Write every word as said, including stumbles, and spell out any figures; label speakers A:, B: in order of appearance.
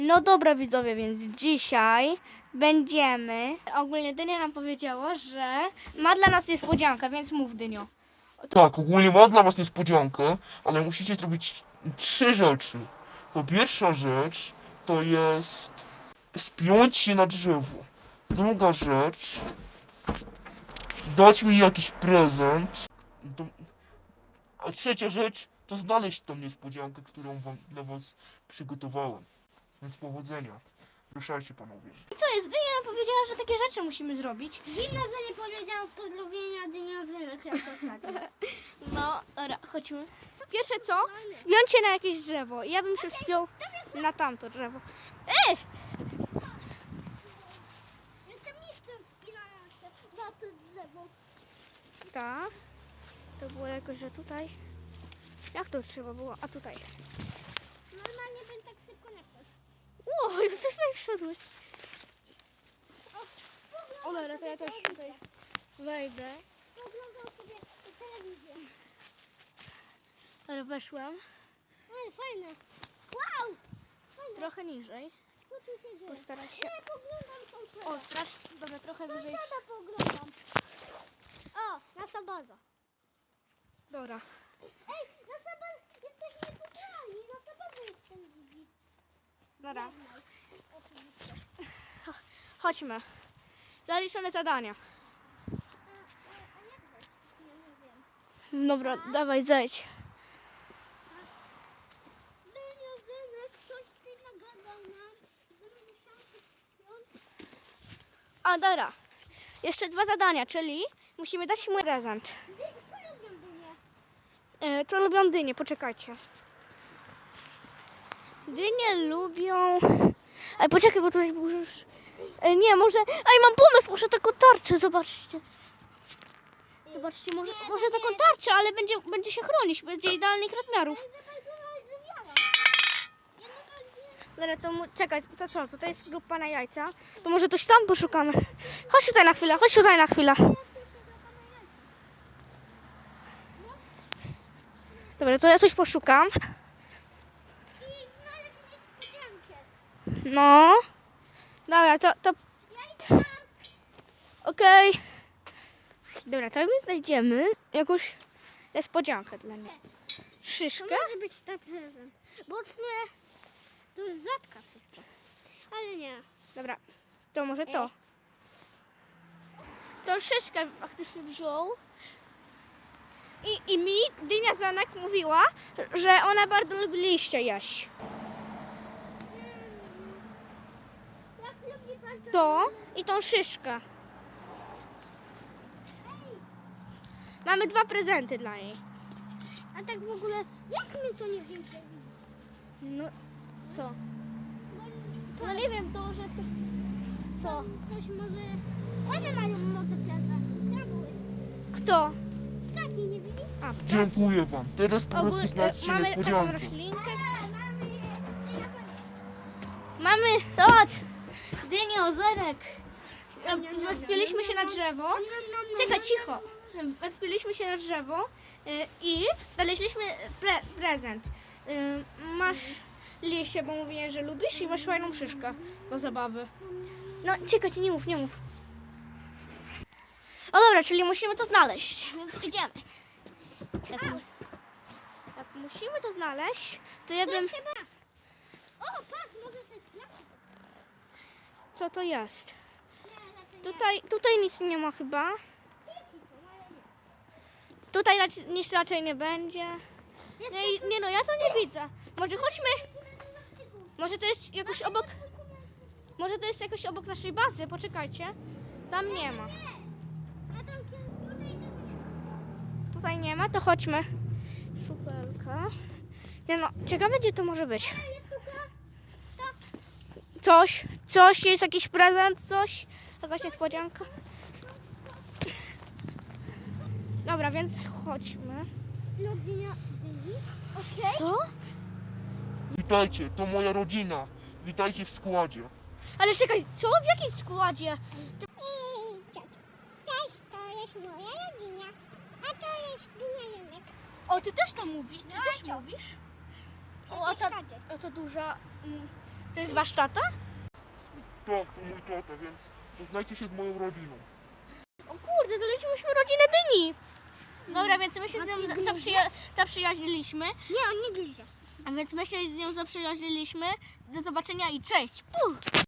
A: No dobra widzowie, więc dzisiaj będziemy... Ogólnie Dynia nam powiedziała, że ma dla nas niespodziankę, więc mów, Dynio.
B: Tak, ogólnie mam dla was niespodziankę, ale musicie zrobić trzy rzeczy. To pierwsza rzecz to jest spiąć się na drzewo. Druga rzecz, dać mi jakiś prezent. Do- A trzecia rzecz to znaleźć tą niespodziankę, którą wam dla was przygotowałem. Więc powodzenia. Ruszajcie panowie.
A: Co jest? Dynia nam powiedziała, że takie rzeczy musimy zrobić.
C: Dziwne, że nie powiedział pozdrowienia dyniozynek jak ostatnio.
A: No, dobra, chodźmy. Pierwsze co? Spiąć się na jakieś drzewo. Ja bym się wspiął na tamto drzewo. Ej!
C: Jestem mistrzem spinania się na to drzewo.
A: Tak. To było jakoś, że tutaj. Jak to trzeba było? A tutaj.
C: Normalnie bym tak szybko nie wszedł.
A: Ło, już coś tutaj wszedłeś. O dobra, to ja też tutaj wejdę.
C: Oglądał sobie telewizję.
A: Ale weszłem
C: Ale fajne. Wow! Fajne.
A: trochę niżej.
C: Co tu się dzieje?
A: Postarać się.
C: Nie, poglądam sąsiada.
A: O, strasz. Dobra, trochę wyżej.
C: Sąsiada poglądam. O, nasza baza.
A: Dobra.
C: Ej, nasza baza, jesteśmy niepokonani. Nasza baza jest ten widzi.
A: Dobra.
C: Oczywiście.
A: Chodźmy. Zaliczone zadania.
C: A, a, a jak wejść? Nie, nie wiem.
A: Dobra, dawaj, zejdź.
C: Dyniozynek, coś ty nagadał nam. Że my musiałam się spiąć.
A: A, dobra. Jeszcze dwa zadania, czyli musimy dać mu prezent.
C: Dy- Co lubią dynie?
A: E, co lubią dynie? Poczekajcie. Dynie lubią... Ej, poczekaj, bo tutaj już... E, nie, może... Ej, mam pomysł, może taką tarczę, zobaczcie. Zobaczcie, może, może taką tarczę, ale będzie, będzie się chronić, będzie idealnych rozmiarów.
C: Za bardzo rozmawiała. Ja nawet nie...
A: Dobra, to mu... czekaj, to co? Tutaj jest grupa na jajca. To może coś tam poszukamy. Chodź tutaj na chwilę, chodź tutaj na chwilę. Dobra, to ja coś poszukam.
C: I znaleźć niespodziankę.
A: No. Dobra, to... to...
C: Ja idę tam.
A: Okej. Dobra, to my znajdziemy jakąś niespodziankę dla mnie.
C: To
A: Szyszkę?
C: może być ta prezent. Bo w sumie to jest rzadka wszystko. Ale nie.
A: Dobra, to może to. Tą szyszkę faktycznie wziął. I, I mi Dynia Zanek mówiła, że ona bardzo lubi liście jeść.
C: Jak lubi pan to?
A: To i tą szyszkę. Mamy dwa prezenty dla niej.
C: A tak w ogóle, jak my to nie wiem?
A: No, co?
C: Bo
A: No nie wiem, to, że to... Co?
C: Ktoś może... One mają może prezent. Diabły.
A: Kto?
C: Taki nie widzi?
A: A,
B: Dziękuję wam. Teraz po prostu
A: ogólnie
B: znajdźcie
A: mamy taką
B: niespodziankę.
A: roślinkę.
C: Mamy...
A: Mamy, zobacz, dynię, ozerek. Wespiliśmy się na drzewo. Czekaj, cicho. Wespiliśmy się na drzewo y, i znaleźliśmy pre prezent. Y, Masz liście, bo mówiłem, że lubisz i masz fajną szyszkę do zabawy. No, czekaj, nie mów, nie mów. O dobra, czyli musimy to znaleźć, więc idziemy. Jak, mu jak musimy to znaleźć, to ja bym...
C: Chyba. O, patrz, może to jest plastik.
A: Co to jest?
C: Nie, lepiej
A: Tutaj, tutaj nic nie ma chyba.
C: nie.
A: Tutaj raczej, nic raczej nie będzie.
C: Jest
A: Nie, nie no, ja to nie widzę. Może chodźmy. Może to jest jakoś obok. Może to jest jakoś obok naszej bazy. Poczekajcie. Tam nie ma.
C: A tam kiedy może idę do...
A: Tutaj nie ma, to chodźmy. Szupelka. Nie no, ciekawe gdzie to może być.
C: Jest tutaj?
A: Coś, coś, jest jakiś prezent, coś. Jakaś niespodzianka. Dobra, więc chodźmy.
C: No, dynia... dyni? Okej.
A: Co?
B: Witajcie, to moja rodzina. Witajcie w składzie.
A: Ale czekaj, co? W jakim składzie?
C: Cześć, to jest moja rodzina. A to jest dynia Junek.
A: O, ty też to mówisz? Ty też mówisz? O, a ta,
C: Przecież
A: a ta duża... Mm, To jest wasz tata?
B: Tak, to mój tata, więc poznajcie się z moją rodziną.
A: O kurde, znaleźliśmy rodzinę Dyni. Dobra, więc my się z nią
C: A ty
A: za-
C: gryziesz?
A: zaprzyja- zaprzyjaźniliśmy.
C: Nie, on nie gryzie.
A: A więc my się z nią zaprzyjaźniliśmy. Do zobaczenia i cześć. Puh.